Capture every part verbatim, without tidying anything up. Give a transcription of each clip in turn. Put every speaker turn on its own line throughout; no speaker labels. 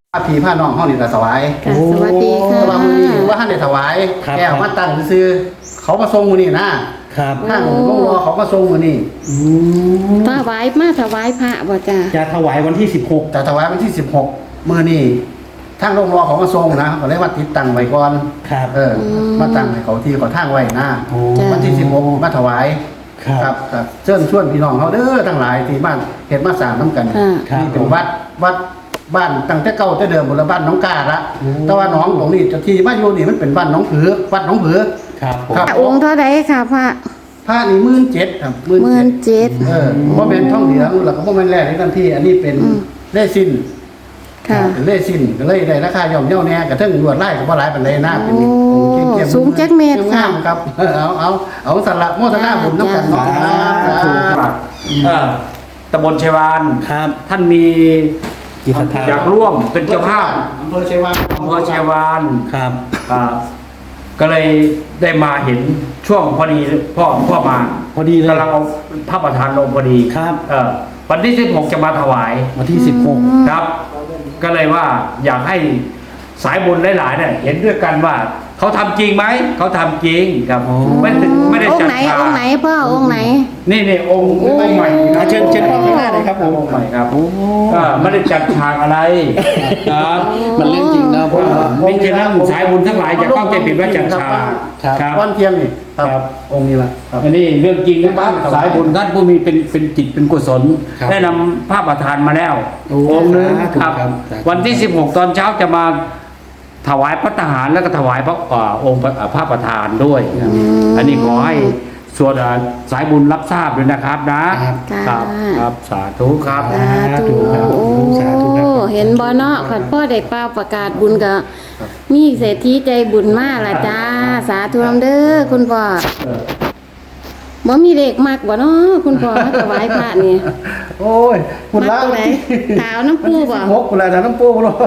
พระผีพระน้องห้องนี่ก็ถวาย
ค่ะสวัสดีค่ะ
แต่ว่ามือนี้ว่าท่านได้ถวายแก้วมาตั้งซื้อเขามาส่งมือนี่นะครับทางโรงรอเขามาส่งมือนี่
ถวายมาถวายพระบ่จ้า
จะถวายวันที่สิบหก
แต่ถวายวันที่สิบหกมือนี่ทางโรงรอเขามาส่งนะก็เลยว่าติดตั้งไว้ก่อน
ครับ
เออมาตั้งให้เขาที่เขาทางไว้นะ
โอ้
วันที่สิบหกมาถวาย
ครับ
ครับเชิญชวนพี่น้องเขาเด้อทั้งหลายที่บ้านเห็นมาสร้างน้ำกัน
ค่ะ
ครับ
นี่เป็นวัดวัดบ้านตั้งแต่เก่าแต่เดิมบนบ้านน้องกาละแต่ว่าน้องของนี่เจะที่มาอยู่นี่มันเป็นบ้านน้องผือวัดน้องผือ
ครับผม
ครับ
องค์เท่าไรค่ะพระ
ผ้านี่หมื่นเจ็ดครับหมื่น
หมื่
เจ็ด
นเจ็ด
เออว่าเป็นท่องเหลืองแล้วก็ว่าเป็นแร่ในทันทีอันนี้เป็น
อืม
เล่สิ้น
ค่ะ
เป็นเล่สิ้นก็เลยได้ราคาย่อมเย่าแน่กระทั่งลวดไล่ก็บ่หลายปานใดนะเป็น
โอ้
องค์เข้มๆ
สูงจักเมตรค่ะ
งามๆครับเออเอาเอาเอาสละโมทนาบุญน้ำกันเนาะ
สาธุ
ครับ
เออตำบลชัยวาน
ครับ
ท่านมี
จิตศรัทธา
อยากร่วมเป็นเจ้าภาพ
อำเภอชัยวาน
อำเภอชัยวาน
ครับ
อ่าก็เลยได้มาเห็นช่วงพอดีพ่อพ่อมา
พอดีเลย
กำลังเอาพระประธานลงพอดี
ครับ
เออวันที่สิบหกจะมาถวาย
วันที่สิบหก
ครับ ก็เลยว่าอยากให้สายบุญหลายๆเนี่ยเห็นด้วยกันว่าเขาทำจริงไหมเขาทำจริงครับไม่ได้ไม่ได้
อง
จั
ค์
ด
ไหน
ฉาก
องค์ไหนพ่อองค์ไหน
นี่นี่องค์องค์ใหม่ครับ
เชิญเชิญพ่อข้างหน้าเลยครับผม
องค์ใหม่ครับ
โอ้
ก็ไม่ได้จัดฉากอะไรครับ
มันเรื่องจริงนะพ่อ
ไม่ใช่นะสายบุญทั้งหลายอย่าเข้าใจผิดว่าจัดฉาก
ครับ
ครับ
วันเทียมนี่ครับ
ครับ
องค์นี้ละครับ
อันนี้เรื่องจริงนะครับสายบุญท่านผู้มีเป็นเป็นจิตเป็นกุศล
ครับ
ได้นำภาพประธานมาแล้ว
โอ้
องค์หนึง
สาธุ
ครับ
ครับสาธุ
วันที่สิบหกตอนเช้าจะมาถวายพระทหารแล้วก็ถวายพระอ่าองค์พระพระประธานด้วยครับอันนี้ขอให้ส่วนอ่าสายบุญรับทราบด้วยนะครับนะครับ ครับครับสาธุครับ
สาธุ
ครับ
โอ้
สาธุครับ
เห็นบ่เนาะขันพ่อได้เป่าประกาศบุญก็มีเศรษฐีใจบุญมากละจ้า สาธุนำเด้อคุณพ่อบ่มีเลขมากบ่เนาะคุณพ่อมาถวายพระนี่
โอ้ยคุณ
มั
ละ
กตัวไหนขาวน้ำปูบ่
หกคุณละแต่น้ำปูบ่รู้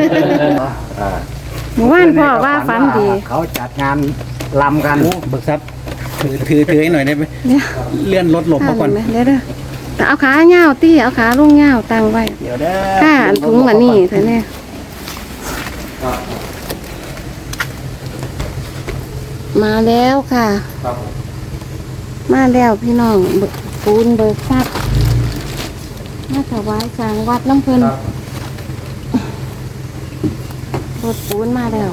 เมื่อวานพ่อว่าฝันดี
เขาจัดงานลำกัน
โอ้เบิกทรัพย์ถือถือถือให้หน่อยได้ไหม
เดี๋ยว
เลื่อนรถหลบมาก่อน
เดี๋ยวเดี๋ยวเดี๋ยวแต่เอาขาเงาวตี้เอาขาลงเงาวตั้งไว้
เดี๋ยวเด้อ
ข้าอันถุงอันนี้เถอะเนี่ยมาแล้วค่ะ มาแล้วพี่น้องเบิกปูนเบิกทรัพย์มาถวายกลางวัดน้ำเพลินรถปูนมาแล้ว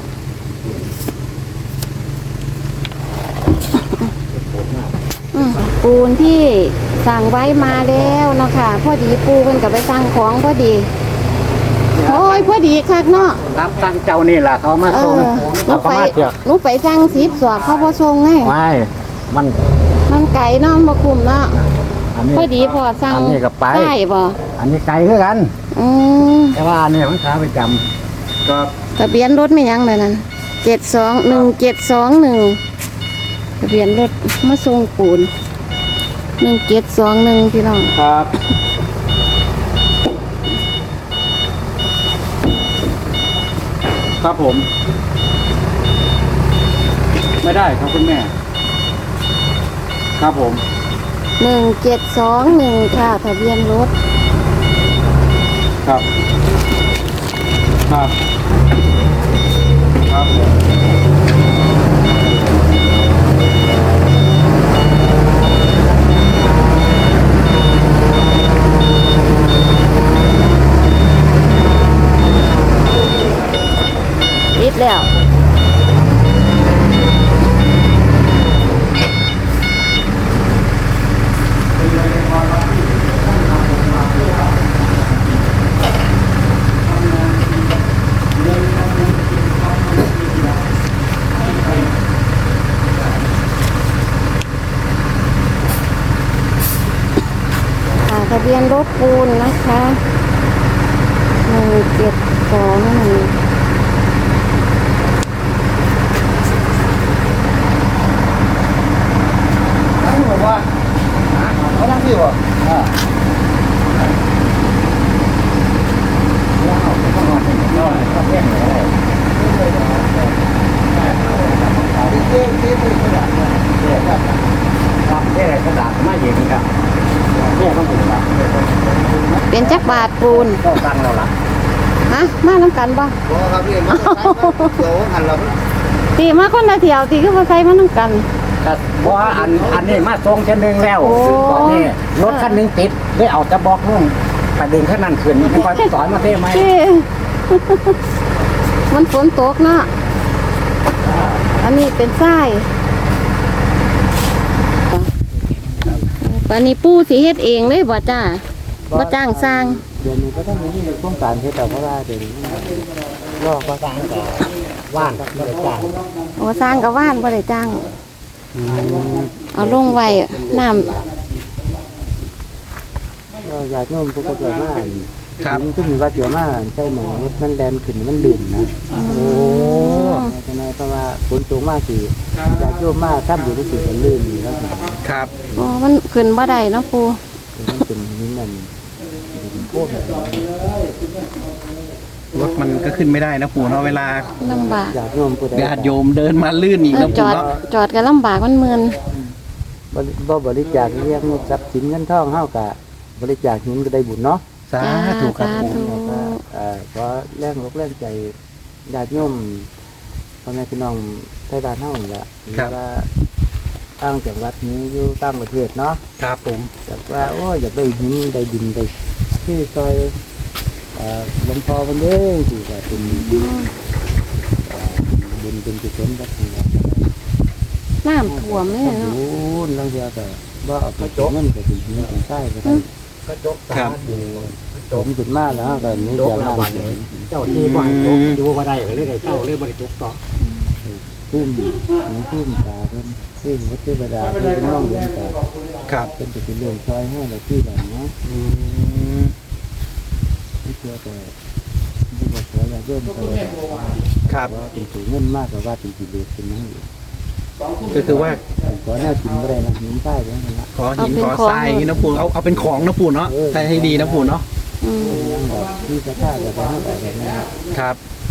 อืมปูนที่สั่งไว้มาแล้วเนาะค่ะพอดีปูกันกับไปสั่งของพอดีโอ้ยพอดีคักเนาะ
รับตั้งเจ้านี่แหละเขามา
เอ
ส่ง
อหนู
เขา
ไป
มาเถอะ
หนูไปสั่งสิบสอบเขาพอส่งไง
ไม่มัน
มันไก่เนาะมาคุมเนาะ
อันนี้
พอดีพอสั่ง
อันนี้ก็ไป
ได้บ่
อันนี้ไกลคือกัน
อืม
แต่ว่าอันนี้มันขาประจำก็
ทะเบียนรถไม่ยังเลยนั่นเจ็ดสองหนึ่งเจ็ดสองหนึ่งทะเบียนรถมาส่งปูนหนึ่งเจ็ดสองหนึ่งพี่น้อง
ครับ ครับผม ไม่ได้ครับคุณแม่ ครับผม
หนึ่งเจ็ดสองหนึ่งค่ะทะเบียนรถ
ครับ ครับ ครับ
ติดแล้วค่ะทะเบียนรถปูนนะคะหนึ่งเจ็ดสองหนึ่ง
ทั้งบอกว่าเขาทั้งที่บ่เจ๊เจ๊ไปกระดาษเนี่ย
ครับนี่อะไรกระดาษมาเย็นครับเนี่ยต้องถึงละ
เป็นจักบาทปูน
ก็ตั้งเราละ
ฮะมาน้น้ำกันบ่
บ่ครับพี่มาเดี๋ยวหันเรา
ตีมาคนละเที่ยวตีก็มาใส่มาน้ำกัน
ก็บ่อันอันนี้มาส่งเช่นนึงแล้ว
โอ้
ตอนนี้รถคันหนึงติดได้เอาจะบอกนุ่งไปดึงคันนั้นขึ้นให้คอยสอนมาเท่ไหม
ที่ มันฝนตกเนาะอันนี้เป็นทรายอันนี้ปูสิเฮ็ดเองเลยบ่จ้าบ่จ้างสร้าง
เดี๋ยวนี้ก็ต้องมีโครงการเฮ็ดแต่เพราะว่าเดี๋ยวนี้ลอกก็สร้างแต่ว่านไม่ได้จ้าง
โอ้สร้างกับว่านบ่ได้จ้าง เอาลงไว้น้ำ
ก็อยากโน้มพวกก็เกิดมา
ครับ
มันขึ้นว่าเกี่ยวมาใช่หมอมันแดนขึ้นมันดื่มนะ
โอ้
ใช่ไหมเพราะว่าฝนตกมากสิอยากโยมมากถ้าอยู่ที่สิมันลื่นอยู่แล้ว
ครับ
โอ้มันขึ้นบ่ได้เนาะปู
มันเป็นนี่มันเป็นโคตร
รถมันก็ขึ้นไม่ได้นะปู่เนาะเวลา
ลำบาก
อยากโยมผู้ใด
ญาติโยมเดินมาลื่นอีก
เออ
นะ
จ
ปู่
อด
เนาะ
จอดก็ลำบากมันเมือน
บริบ่บริจาคเรียกทรัพย์สินเงินทองเฮากะบริจาคหินก็ได้บุญเนาะ
สาธุครับ
สา
ปู่
ธุ
แล้วก็เอ่อขอแรงอกแรงใจญาติโยมพ่อแม่พี่น้องไทยบ้านเฮานี่ล่ะหรือว่าตั้งจังหวัดนี้อยู่ต่างประเทศเนาะ
ครับผม
อยากว่าโอ้ยอยากได้หินได้ดินได้ที่ซอยเอ่อหลวงพ่อเพิ่นเด้อที่ว่าเป็นเอ่อบุญเป็นกุศลแบบนี้
น้ำท่วมเลย
โอ้
เนาะ
โหลังเทื่อก็บ่เอาไปเงินก็สิหินสิทรายก็ได้
ครับ
ผมขึ้นมาแล้วก็มีแต่ละวัน
เจ้าที่บ้านจบอยู่บ่ได้ก็เลยได้เจ้าเลยบ่ได้จบต่อ
พุ่มมีพุ่มตาเพิ่นพุ่มวัดเทวดาเพิ่นเป็นน้องเลี้ยงตา
ครับ
เป็นจะเป็นเรื่องซอยให้เราที่แบบเนาะ
อืม
ไม่เชื่อแต่ไม่บอกขออย่าเยิ่มไป
ครับ
ว่าเป็นถือเงินมากกว่าว่าเป็นกิเลสเป็นนั่งอยู่
ก็คือว่า
ขอแน่กินไม่ได้นะหินใต้ไปนั่นละ
ขอหินขอทรายอย่างนี้นะปู่เอาเอาเป็นของนะปู่เนาะใช้ให้ดีนะปู่เนาะ
อืม
ยังแบบที่จะฆ่าแบบนั้นแบบนั้น
ครับ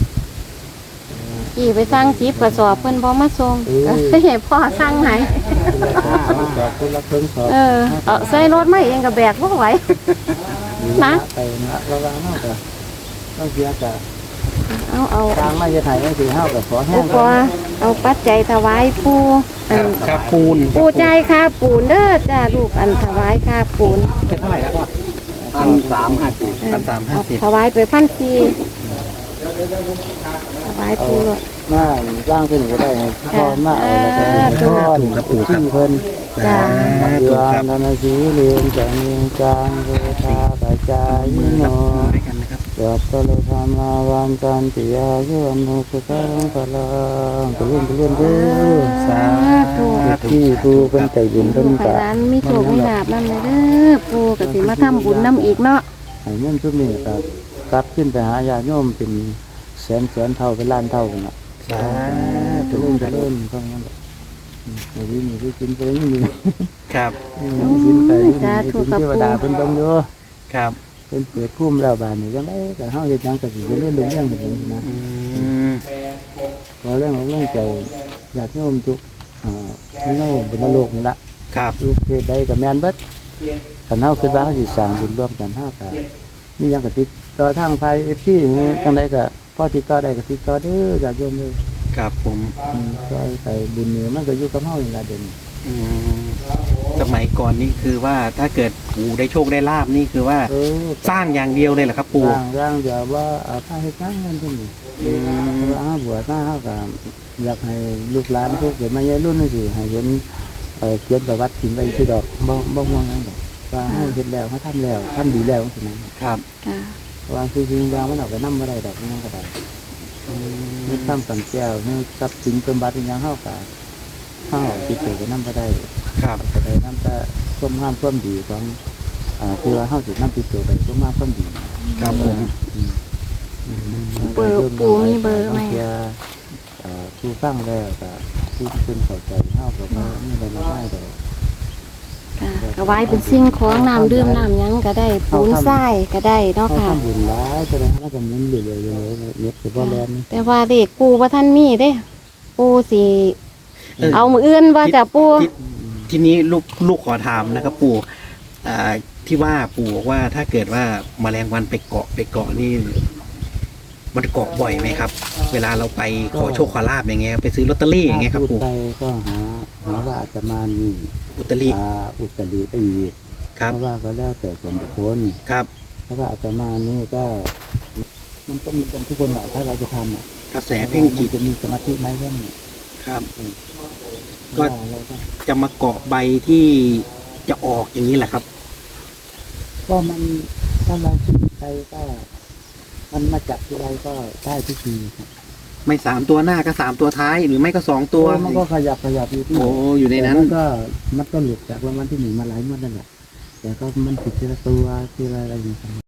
กี่ไปสร้างจีบกระสอบเพิ่นบ่มาส่งก็ให้พ่อสร้างให้
ขอบคุณละเพิ่งขอ
เออเอาใส่รถมาเองก็แบกบ่ไหว นะ
ไปนะระวังมากกว่าต้องเสียกับ
เอาเอา
ทางไม่จะถ่ายไม่ถือห้าวกับขอแห้
อุ
ง
ปกรณ์เอาปัจจัยถวายปู่อัน
ครับปูน
ปู่ใจายค่าปูนเด้อจ้าลูกอันถวายค่าปูน
เป็นเท่าไหร่ครับพ่อ
พันสามห้าสิบ
เออ
พันสามห้าสิบ
ถวายไปพันสี่ถวายปู่
มาร่างขึ้นก็ได้พอมาเอาแล้วก็เป็นก้อนกับปู่ที่เพิ่น
จ้า
เรืองธนสีเรียงจังเรียงจางเวทาปัจจายโน
ด้วยกันนะครับ
ยัตตะเลธรรมาวันจันติยายุวันโนสุขังพลังไปเรื่อยไปเรื่อยเด้อ
สาธุ
ที่ผู้เป็นใจบุญ
ลู
เพิ่น
กให้
กะ
ร้านมีโชคมีลาบนำเลยเด้อปู่ก็สิมาทำบุญนำอีกเนาะ
ให้เงินทุกนี้ก็กลับขึ้นไปหาญาติโยมเป็นแสนแสนเท่าเป็นล้านเท่ากันน่ะ
สา
จะ
ธุ
เริ่มจะเริ่มก็งั้นแหละอืมมีมีที่กินไปนี่มี
ครับ
มีกินไปนี่มีกินเทวดาเพิ่นเบิ่งอยู่
ครับ
เพิ่นเปิดภูมิแล้วบาดนี้จังได๋ก็เฮาเฮ็ดหยังก็สิเรื่อยๆเรื่องแบบนี้นะ
อืม
ขอเรื่องของเรื่องใจญาติโยมทุกอ่าในบนโลกนี่ล่ะ
ครับ
ทุกเพศใดก็แม่นเบิดคันเฮาคิดว่าเฮาสิสร้างบุญร่วมกันเฮาก็มีหยังก็ติดต่อทางไฟ เอฟ ซี นี่จังไดก็พอติดต่อได้ก็ติดต่อเด้อญาติโยมเด้อ
ครับผม
อืมซอยไปบุญนี่มันก็อยู่กับเฮานี่ล่ะเด่น
อืมสมัยก่อนนี่คือว่าถ้าเกิดปู่ได้โชคได้ลาบนี่คือว่า
เออ
สร้างอย่างเดียวเลยเหรอครับปู่
ร่างร่างเดี๋ยวว่าเอาผ้าเฮ็ดงานนั่นพุ่นนี่
อืม
ว่าเฮาบวชมาเฮาก็อยากให้ลูกหลานพวกเกิดมาใหญ่รุ่นนี่สิให้เห็นเอ่อเขียนประวัติถิ่นไว้ที่ดอกบ่บ่ม่วงนั่นดอกว่าเฮาเฮ็ดแล้วเฮาทำแล้วทำดีแล้วจังซี่นะครับ
จ้า
ว่าคือจริงๆแล้วมันเอาไปนำบ่ได้ดอกนั่นก็ได้นี่ทำสังแก้วนี่ทรัพย์สินเป็นบัตรอิหยังเฮาก็เฮาติดตัวไปนำบ่ได้
ครับ
ก็ได้นำแต่ความงามความดีของอ่าคือว่าเฮาสินำติดตัวไปความงามความดี
ครับผม
อืม
เบอร์ปู่มีเบอร์ไหม
เอ่อผู้ฟังแล้วก็ผู้ที่เป็นเข้าใจเฮาก็บ่มีอะไรมากมายดอก
ค่ะถวายเป็นสิ่งของน้ำดื่มน้ำหยังก็ได้ปูนทรายก็ได้เนาะ
เฮา
ค่ะ
ทำบุญหลายแสดงว่าก็หมุนเรื่อยๆเรื่อยๆเย็บสิบ่แล่น
แต่ว่าเด็กปูว่าท่านมีเด้ ปูสิ
เออ
เอามืออื่นว่าจะปู
ที่ทีนี้ลูกลูกขอถามนะครับ ปู่อ่าที่ว่าปู่บอกว่าถ้าเกิดว่าแมลงวันไปเกาะไปเกาะนี่มันเกาะบ่อยไหมครับ เวลาเราไปขอโชคขอลาบอย่างเงี้ยไปซื้อลอตเตอรี่อย่างเงี้ยครับ
พู
ปู่
ดไปก็หาหาว่าอาตมานี่
อุตริ
อ่าอุตริไปอีก
ครับ
เพราะว่าก็แล้วแต่ส่วนบุคคล
ครับ
เพราะว่าอาตมานี่ก็ มันต้องมีกันทุกคนแหละถ้าเราจะทำอ่ะ
กระแสเพ่งจิต
จะมีสมาธิไหมเรื่องนี้
ครับ
ก็
ก็
เราก็
จะมาเกาะใบที่จะออกอย่างนี้แหละครับ
ก็มันถ้าเราคิดไปก็ มันมาจับที่ไรก็ได้ทุกทีครับ
ไม่สามตัวหน้าก็สามตัวท้ายหรือไม่ก็สองตัว
มันก็ขยับขยับอยู่ที่
โอ้อยู่ในนั้น
แต่มัก็มันก็หลุดจากรางวัลที่หนึ่งมาหลายงวดนั่นแหละแต่ก็มันผิดทีละตัวทีละอะไรอย่างเงี้ย